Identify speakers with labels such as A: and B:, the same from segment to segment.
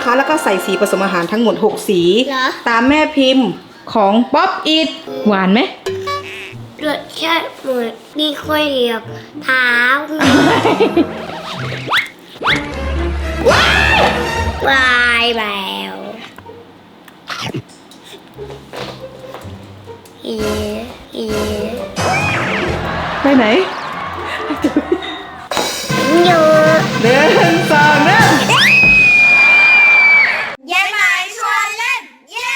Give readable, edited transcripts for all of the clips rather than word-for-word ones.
A: นะคะแล้วก็ใส่สีผสมอาหารทั้งหมด6สีตามแม่พิมพ์ของป๊อปอิทหวานไหม
B: รสชาติเหมือนมีข้อยเหยียบเท้าวายแล้ว
A: ไปไหน
B: เยอะ
A: เดินสองเดิน
B: ยายหมายชวนเล่นเย้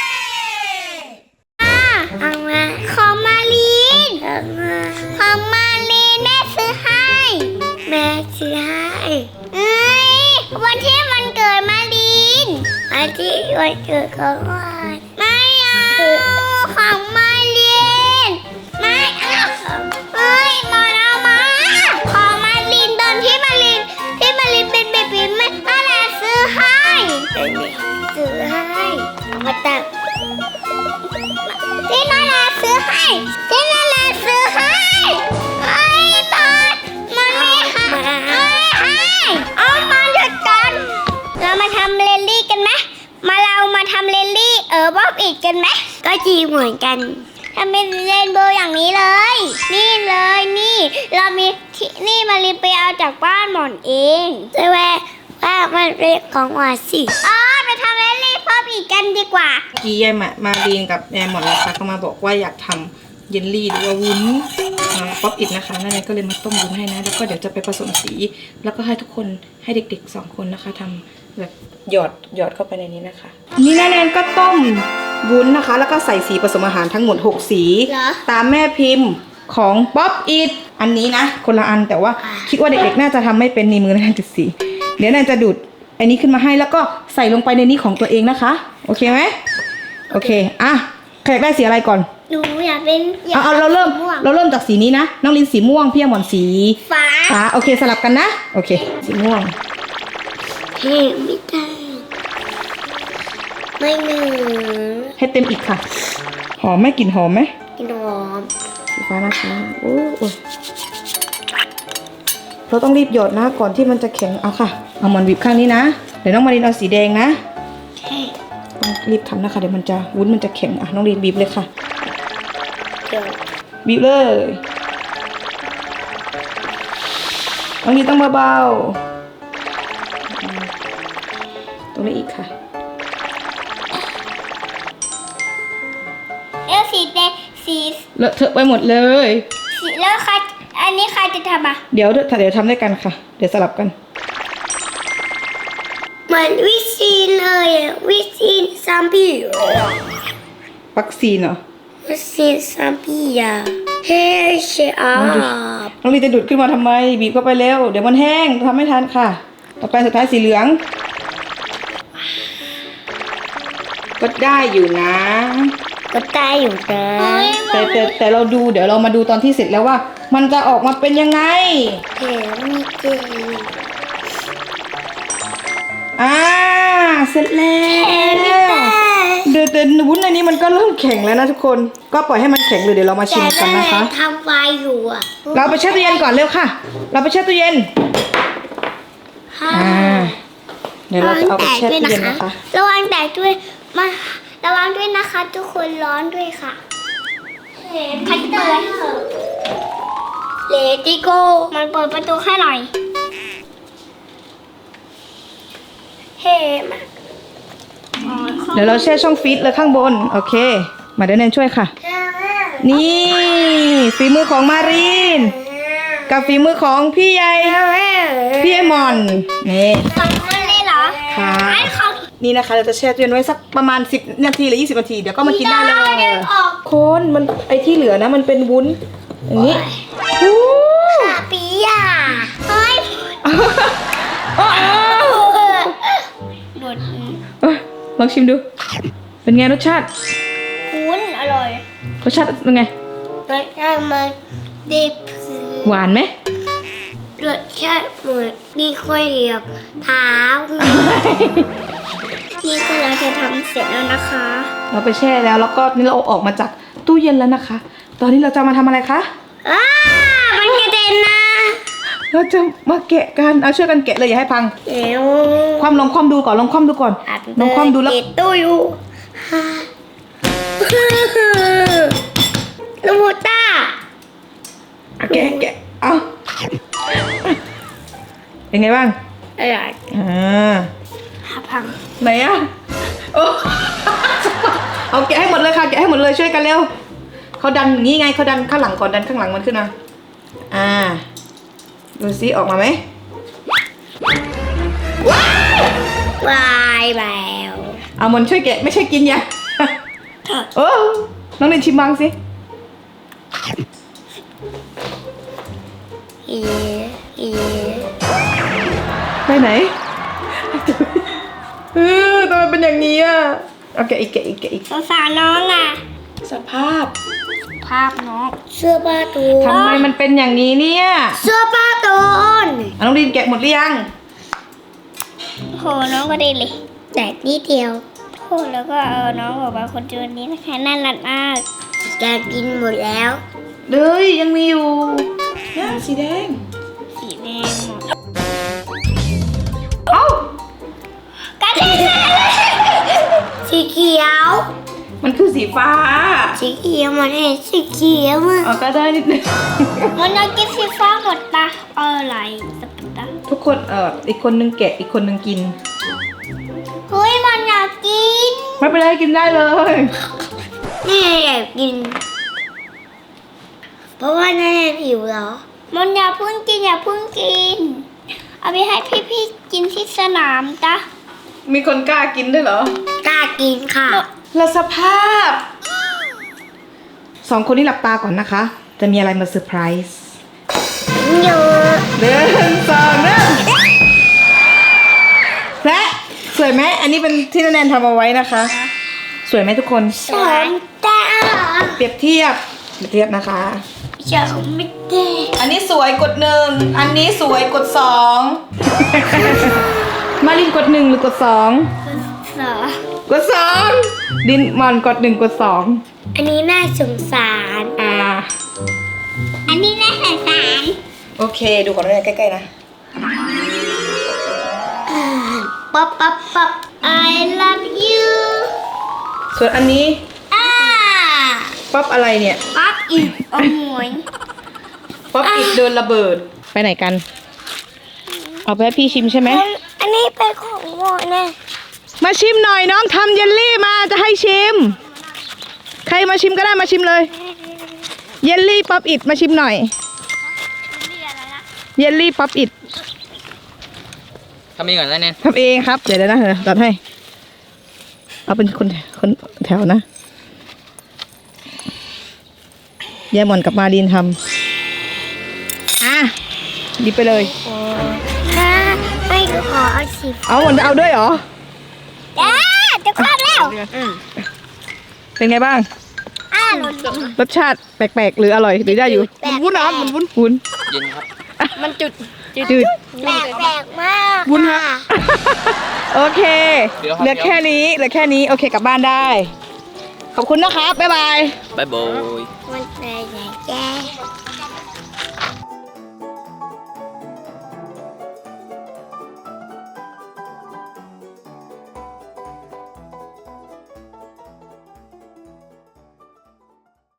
B: เอามาของมาลีนของมาลีนแม่ซื้อให้แม่ซื้อให้วันที่มันเกิดมาลีนวันที่วันเกิดของวันไม่เอาของมาลีนไม่เอามาเอามาของมาลีนตอนที่มาลีนเป็นเบบีแม่แหละซื้อให้เอามาตักที่นาแหละซื้อให้ไอ้บอสมันไม่ให้เอามาหยุดกันเรามาทำเรลลี่กันไหมเรามาทำเรลลี่บ๊อบอีกกันไหมก็จีเหมือนกันทำเป็นเรนโบว์อย่างนี้เลยนี่เรามีนี่มาลีไปเอาจากบ้านหมอนเองจะว่ามันเป็นของหวานสิไปทำเรลลี่บ๊อบอีกกันดีกว่า
A: กี้ยายมาลีนกับยายหมอนนะคะเขามาบอกว่าอยากทำเยลลี่หรือว่าวุ้นป๊อปอิทนะคะนั่นเองก็เลยมาต้มวุ้นให้นะแล้วก็เดี๋ยวจะไปผสมสีแล้วก็ให้ทุกคนให้เด็กๆ2คนนะคะทำแบบหยอดเข้าไปในนี้นะคะนี่นั่นเองก็ต้มวุ้นนะคะแล้วก็ใส่สีผสมอาหารทั้งหมด6สีตามแม่พิมพ์ของป๊อปอิทอันนี้นะคนละอันแต่ว่าคิดว่าเด็กๆน่าจะทำไม่เป็นในมือนั่นจุดสีเดี๋ยวนั่นจะดูดอันนี้ขึ้นมาให้แล้วก็ใส่ลงไปในนี้ของตัวเองนะคะโอเคไหมโอเคใครอยากได้สีอะไรก่อน
B: หนูอยากเป็น
A: เราเริ่มจากสีนี้นะน้องลินสีม่วงพี่หมอนสีฟ้าโอเคสลับกันนะโอเคสีม่วง
B: ไม่ได้ไม่เหนือ
A: ให้เต็มอีกค่ะหอมไหมกลิ่นหอมไหม
B: กลิ่นหอม
A: สีฟ้านะคะโอ้เราต้องรีบหยดนะก่อนที่มันจะแข็งเอาค่ะเอาหมอนบีบข้างนี้นะเดี๋ยวน้องมารินเอาสีแดงนะต้องรีบทำนะคะเดี๋ยวมันจะวุ้นมันจะแข็งน้องลินบีบเลยค่ะบีบเลยน้องลินต้องเบาๆตรงนี้อีกค่ะ
B: สีแดงสี
A: เลอะเทอะไปหมดเลย
B: แล้วใครอันนี้ใครจะทำ
A: เดี๋ยวทำด้วยกันค่ะเดี๋ยวสลับกัน
B: เหมือนวิซีนเลยวิซีนซัมบี้
A: วัคซีนเหรอ
B: วิซีนซัมบี้เฮ้ยเชอา
A: น้องลีจะดูดขึ้นมาทำไมบีบเข้าไปเร็วเดี๋ยวมันแห้งทำไม่ทันค่ะต่อไปสุดท้ายสีเหลืองก็ได้อยู่นะ
B: ก็ได้อยู่นะ
A: แต่เราดูเดี๋ยวเรามาดูตอนที่เสร็จแล้วว่ามันจะออกมาเป็นยังไง
B: มีเกลื
A: เสร็จแล้วเดี๋ยววุ้นในนี้มันก็เริ่มแข็งแล้วนะทุกคนก็ปล่อยให้มันแข็งเลยเดี๋ยวเรามาชิมกันนะคะ
B: ทำไวอยู่
A: เราไปแช่ตู้เย็นก่อนเร็วค่ะเราไปแช่ตู้เย็นเดี๋ยวเราจะเอาไปแช่ตู้เย็นนะคะ
B: ระวังแตกด้วยระวังด้วยนะคะทุกคนร้อนด้วยค่ะคัตเตอร์เลติโก้มันเปิดประตูให้หน่อย
A: เดี๋ยวเราแช่ช่องฟรีซเลยข้างบนโอเคมาเดี๋ยวแนนช่วยค่ะนี่ฝีมือของมารีนกับฝีมือของพี่ใหญ่พี่ไอมอนนี่
B: ของมันเลยเหรอ
A: ค่ะนี่นะคะเราจะแช่ตู้เย็นไว้สักประมาณ10 นาทีหรือ20 นาทีเดี๋ยวก็มากินได้เลยคนมันไอที่เหลือนะมันเป็นวุ้นอย่างนี้
B: ขาปีอ่ะเฮ้ย
A: ลองชิมดูเป็นไงรสชาติ
B: วุ้นอร่อย
A: รสชาติเป็นไง
B: รสชาติมันดิบ
A: หวานไหม
B: รสชาติเหมือนมีข้อยเหยียบเท้านี่คือเราจะทำเสร็จแล้วนะคะ
A: เราไปแช่แล้วก็นี่เราออกมาจากตู้เย็นแล้วนะคะตอนนี้เราจะมาทำอะไรคะ
B: มันกระเด็นนะ
A: เราจะมาแกะกันเอาช่วยกันแกะเลยอย่าให้พัง
B: เดี๋ยว
A: ความลองความดูก่อนลองความดูก่อนลองความดูแล้ว
B: ติดตู้อยู่ลูกตา
A: แกะแกะเอาเป็นไงบ้าง
B: อะไร พัง
A: ไหนอะโอ้เอาแกะให้หมดเลยค่ะแกะให้หมดเลยช่วยกันเร็วเขาดันอย่างนี้ไงเขาดันข้างหลังก่อนดันข้างหลังมันขึ้นมาดูซิออกมาไหม
B: วายแล้ว
A: เอามันช่วยแกะไม่ใช่กินยาโอ้น้องเรนชิมบ้างสิ ไปไหนทำไมเป็นอย่างนี้อ่ะเอาแกะอีกแกะอีกแกะอีก
B: สงสารน้องอ่ะ
A: สภาพ
B: ภาพน้องเสื้อผ้าตูน
A: ทำไมมันเป็นอย่างนี้เนี่ย
B: เสื้อผ้าตูน
A: น้องดินแกะหมดหรือยัง
B: โหน้องก็ได้เลยแต่นิดเดียวโหแล้วก็เอาน้องออกมาคนเดียวนี้นะคะน่ารักมากจะกินหมดแล้ว
A: เลยยังมีอยู่เนี่ยสีแดง
B: สีแดงหมด
A: เอ้า
B: กระเด็นสีเขียว
A: มันคือสีฟ้า
B: สีเขียวมันเห็นสีเขียวอ่ะ
A: เอาก็ได้นิดนึง
B: มันจะกินสีฟ้าหมดปะอะไรสักตา
A: ทุกคนอีกคนนึงแกะอีกคนนึงกิน
B: เฮ้ยมันอยากกิน
A: ไม่เป็นไรกินได้เลย
B: นี่อยากกิน เพราะว่าแน่หิวเหรอ มันอย่าเพิ่งกินอย่าเพิ่งกิน เอาไปให้พี่ๆกินที่สนามจ้ะ
A: มีคนกล้ากินด้วยเหรอก
B: ล้ากินค่ะ
A: แล้วสภาพสองคนนี้หลับตาก่อนนะคะ จะมีอะไรมาเซอร์ไพรส์
B: เยอะ
A: หนึ่งสองหนึ่งและสวยไหมอันนี้เป็นที่แนนทำเอาไว้นะคะ สวยไหมทุกคน
B: สามตา
A: เปรียบเทียบนะคะ
B: จะไม่ได้
A: อันนี้สวยกดหนึ่งอันนี้สวยกดสอง มาลินกดหนึ่งหรือกดสอง
B: สอง
A: กดสองดินมอนกดหนึ่งกดสอง
B: อันนี้น่าสงสาร อันนี้น่าสงสาร
A: โอเคดูของเราใกล้ๆนะ
B: ป๊อปป๊อปป๊อป I love you
A: ส่วนอันนี้ป๊อปอะไรเนี่ย
B: ป๊อปอีกโอ้ย
A: ป๊อปอิดโดนระเบิดไปไหนกัน เอาไปให้พี่ชิมใช่ไหม
B: อันนี้เป็นของโมนะ
A: มาชิมหน่อยน้องทำเยลลี่มาจะให้ชิม ใครมาชิมก็ได้มาชิมเลย เยลลี่ป๊อปอิดมาชิมหน่อย เยลลี่ป๊อปอิด
C: ทำเองก่อนแล้วเนี่ย
A: ทำเองครับเดี๋ยวนะตัดให้ เอาเป็นคนแถวนะยายหมอนกับมารีนทำหยิบไปเลย
B: ค่ะไม่ขอเอาสิ
A: เอาหมอนเอาด้วยเหรอ
B: จะครบแล้ว
A: เป็นไงบ้าง
B: รส
A: รสชาติแปลกๆหรืออร่อยหรือได้อยู่
B: วุ้นน้ำมันวุ้น
A: วุ้น
C: เย็นครับ
A: มันจืด
B: แปลกมาก
A: วุ้นฮะโอเคเหลือแค่นี้โอเคกลับบ้านได้ ขอบคุณนะครับบ๊ายบาย
C: บ๊ายบาย
B: มันแปลกแย่